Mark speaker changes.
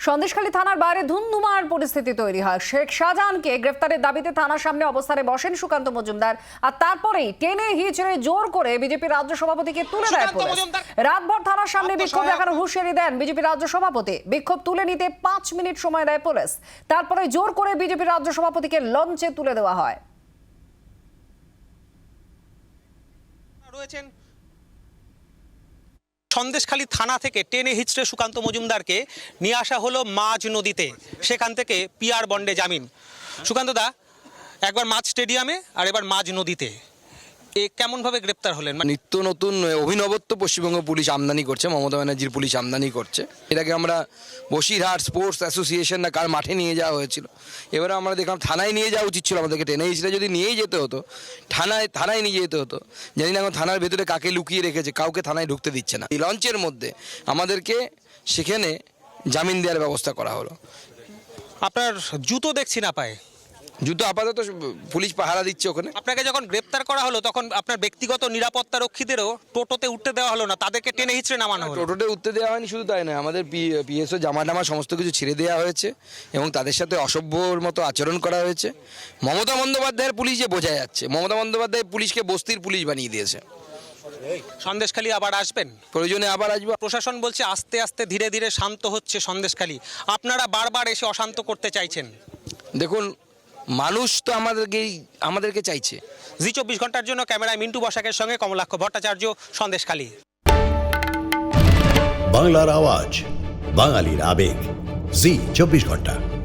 Speaker 1: সন্দেশখালী থানার বাইরে ধুন্ধুমার পরিস্থিতি তৈরি হয়। শেখ শাহজাহানকে গ্রেফতারের দাবিতে থানার সামনে অবস্থানে বসেন সুকান্ত মজুমদার, আর তারপরেই টেনে হিচড়ে জোর করে বিজেপি রাজ্য সভাপতিকে তুলে দেয় পুলিশ। রাতভর থানার সামনে বিক্ষোভ দেখানোর হুঁশিয়ারি দেন বিজেপি রাজ্য সভাপতি। বিক্ষোভ তুলে নিতে 5 মিনিট সময় দেয় পুলিশ, তারপরে জোর করে বিজেপি রাজ্য সভাপতিকে লঞ্চে তুলে দেওয়া হয়।
Speaker 2: সন্দেশখালী থানা থেকে টেনে হিচড়ে সুকান্ত মজুমদারকে নিয়ে আসা হলো মাঝ নদীতে, সেখান থেকে পিআর বন্ডে জামিন। সুকান্ত দা, একবার মাঝ স্টেডিয়ামে আর এবার মাঝ নদীতে, এ কেমনভাবে গ্রেপ্তার হলেন?
Speaker 3: নিত্য নতুন অভিনবত্ব পশ্চিমবঙ্গ পুলিশ আমদানি করছে, মমতা ব্যানার্জির পুলিশ আমদানি করছে। এটাকে আমরা বসিরহাট স্পোর্টস অ্যাসোসিয়েশন না কার মাঠে নিয়ে যাওয়া হয়েছিল, এবারে আমরা দেখলাম থানায় নিয়ে যাওয়া উচিত ছিল আমাদেরকে। টেনে হিচড়ে যদি নিয়েই যেতে হতো, থানায় নিয়ে যেতে হতো। জানি না এখন থানার ভেতরে কাকে লুকিয়ে রেখেছে, কাউকে থানায় ঢুকতে দিচ্ছে না। এই লঞ্চের মধ্যে আমাদেরকে সেখানে জামিন দেওয়ার ব্যবস্থা করা হলো।
Speaker 2: আপনার জুতো দেখছি না পায়ে।
Speaker 3: জুতো আপাতত পুলিশ পাহারা দিচ্ছে ওখানে।
Speaker 2: আপনাকে যখন গ্রেপ্তার করা হলো তখন আপনার ব্যক্তিগত নিরাপত্তা রক্ষীদেরও টোটোতে উঠতে দেওয়া হলো না, তাদেরকে টেনে হিচড়ে নামানো হলো।
Speaker 3: টোটোতে উঠতে দেওয়া হয়নি, শুধু তাই নয়, আমাদের পিএসও জামা সমস্ত কিছু ছেড়ে দেওয়া হয়েছে এবং তাদের সাথে অসভ্যর মতো আচরণ করা হয়েছে। মমতা বন্দ্যোপাধ্যায়ের পুলিশ যে বোঝা যাচ্ছে, মমতা বন্দ্যোপাধ্যায় পুলিশকে বস্তির পুলিশ বানিয়ে দিয়েছে।
Speaker 2: সন্দেশখালী আবার আসবেন?
Speaker 3: প্রয়োজনে আবার আসবো।
Speaker 2: প্রশাসন বলছে আস্তে আস্তে ধীরে ধীরে শান্ত হচ্ছে সন্দেশখালী, আপনারা বারবার এসে অশান্ত করতে চাইছেন।
Speaker 3: দেখুন, মানুষ তো আমাদেরকে চাইছে।
Speaker 2: জি 24 ঘন্টার জন্য ক্যামেরায় মিন্টু বসাকের সঙ্গে কমলাক্ষ ভট্টাচার্য, সন্দেশখালী।
Speaker 4: বাংলার আওয়াজ, বাঙালির আবেগ, জি 24 ঘন্টা।